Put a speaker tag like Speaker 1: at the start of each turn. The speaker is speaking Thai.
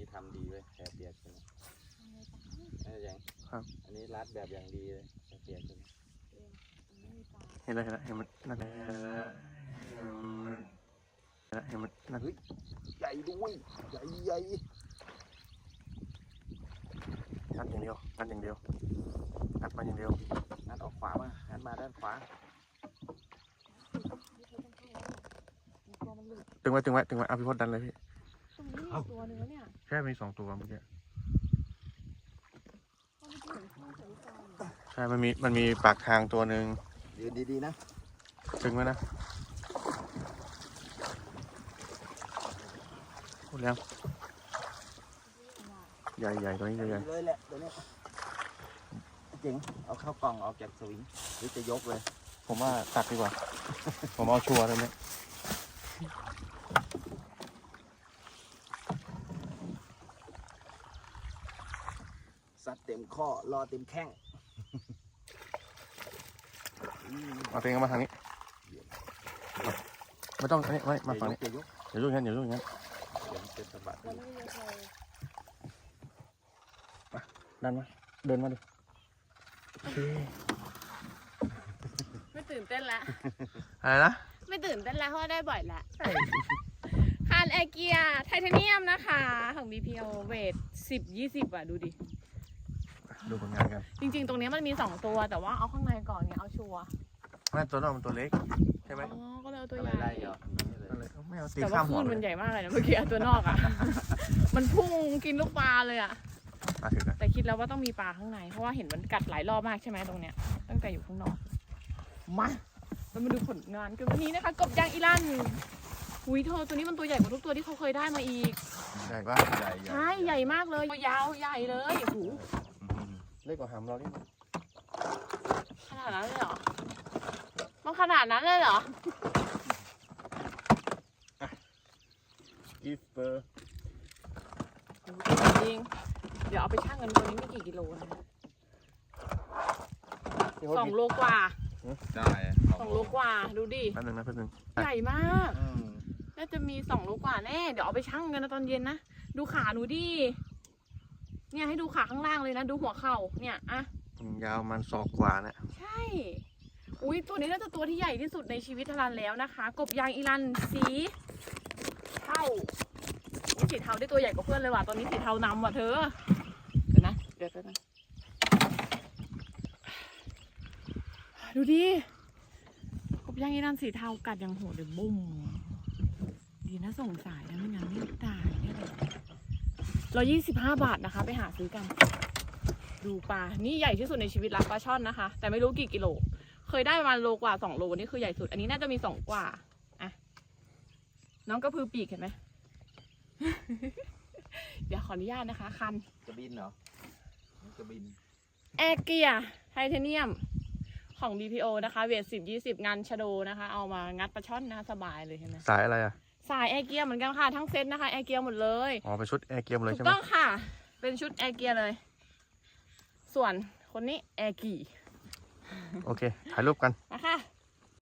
Speaker 1: ทำดีเว้ยแผลเปียกใช่ไหมนี่อย่างครับอันนี้รัดแบบอย่างดีเลยแผลเปียกใช่ไหม
Speaker 2: เห็นแล้วเห็นมันนั่นเห็นมันนั่น
Speaker 1: ใหญ่ด้วยใหญ่
Speaker 2: งัดอย่างเดียวงัดมาอย่างเดียว
Speaker 1: งัดออกขวามางัดมาด้านขวา
Speaker 2: ตึงไว้เอาพี่พดดันเลยพี่
Speaker 3: ตรงนี้ตัวนึงแล้วเนี่ย
Speaker 2: แค่มี2 ตัวเมื่อกี้ใช่มันมีปากทางตัวหนึ่ง
Speaker 1: ยืนดีๆนะ
Speaker 2: ตึงไว้นะพูดแล้วใหญ่ตัวนี้ใหญ่
Speaker 1: เลยแหละตัวนี้เจ๋งเอาเข้ากล่องออกจากสวิงหรือจะยกเลย
Speaker 2: ผมว่าตัดดีกว่า ผมเอาชัวร์เลยเนี่ย
Speaker 1: สัตว์เต็มข้อรอเต็มแข้ง
Speaker 2: เอาตัวเองมาทางนี้ไม่ต้องนี่มาฝั่งนี้อย่ายุ่งงั้น
Speaker 1: เดี๋ยวมันจะสะบัด
Speaker 2: ดันมาเดินมาดิ
Speaker 3: ไม่ตื่นเต้นแล้ว
Speaker 2: อะไรนะ
Speaker 3: ไม่ตื่นเต้นแล้วเพราะได้บ่อยแล้วคานแอร์เกียไทเทเนียมนะคะของ BPO เวท10-20อ่ะดูดิ
Speaker 2: ดูผลงานกัน
Speaker 3: จริงๆตรงนี้มันมี2ตัวแต่ว่าเอาข้างในก่อนไงเอาชัวร์
Speaker 2: ไม่ตัวนอกมันตัวเล็กใช่ไหม
Speaker 3: อ๋อก็เลยเอาตัวใหญ่
Speaker 2: ไม่เอาตี
Speaker 3: แต่ว่า
Speaker 2: ข้ามหั
Speaker 3: คลื่
Speaker 2: วน
Speaker 3: มันใหญ่มากเลยนะเมื่อกี้ตัวนอกอ่ะมันพุ่งกินลูกปลาเลยอ่ะแต่คิดแล้วว่าต้องมีปลาข้างในเพราะว่าเห็นมันกัดหลายรอบมากใช่ไหมตรงเนี้ยตั้งแต่อยู่ข้างนอกมาเรามาดูผลงานกันวันนี้นะคะกบยางอิรันหุยเธอตัวนี้มันตัวใหญ่กว่าทุกตัวที่เขาเคยได้มาอีก
Speaker 2: ใหญ่ปะ
Speaker 3: ใช่ใหญ่มากเลยตัวยาวใหญ่เลยโอ้โห
Speaker 2: เล็กกว่าหำเราดิ
Speaker 3: ขนาดนั้นเลยเหรอมันขนาดนั้นเลยเหรอ
Speaker 2: กิฟเปอร์
Speaker 3: จริงเดี๋ยวเอาไปชั่งกันตัวนี้ไม่กี่กิโลนะ2 โลกว่า
Speaker 1: ได้
Speaker 3: 2 โลกว่าดูดิ
Speaker 2: แป๊บนึง
Speaker 3: ใหญ่มากน่าจะมี2 โลกว่าแน่เดี๋ยวเอาไปชั่งกันนะตอนเย็นนะดูขาหนูดิเนี่ยให้ดูขาข้างล่างเลยนะดูหัวเข่าเนี่ยอะ
Speaker 2: ยาวมันศอกกว่านะ
Speaker 3: ใช่อุ้ยตัวนี้น่าจะตัวที่ใหญ่ที่สุดในชีวิตทารันแล้วนะคะกบยางอิรันสีเทาสีเทาได้ตัวใหญ่กว่าเพื่อนเลยว่ะตอนนี้สีเทานำว่ะเธอเดี๋ยวนะดูดิกบยางอิรันสีเทากัดอย่างโหดเดี๋ยวบุ้มดีนะส่งสายนะไม่งั้นไม่ตายแน่เลย125 บาทนะคะไปหาซื้อกันดูปลานี่ใหญ่ที่สุดในชีวิตละปลาช่อนนะคะแต่ไม่รู้กี่กิโลเคยได้ประมาณโลกว่า2 โลนี่คือใหญ่สุดอันนี้น่าจะมี2 กว่าอ่ะน้องกระพือปีกเห็นไหม เดี๋ยวขออนุญาตนะคะคัน
Speaker 1: จะบินเหรอจะบิน
Speaker 3: แอร์เกียไทเทเนียมของ BPO นะคะเวท10-20งานชะโดนะคะเอามางัดปลาช่อนนะสบายเลยเห็นไหม
Speaker 2: สายอะไรอ่ะ
Speaker 3: สายแอร์เกียเหมือนกันค่ะทั้งเซตนะคะแอร์เกียหมดเลย
Speaker 2: อ๋อเป็นชุดแอร์เกียเลยใช่ไหม
Speaker 3: ถูกต้องค่ะเป็นชุดแอร์เกียเลยส่วนคนนี้แอร์กี
Speaker 2: โอเคถ่ายรูปกัน
Speaker 3: นะคะ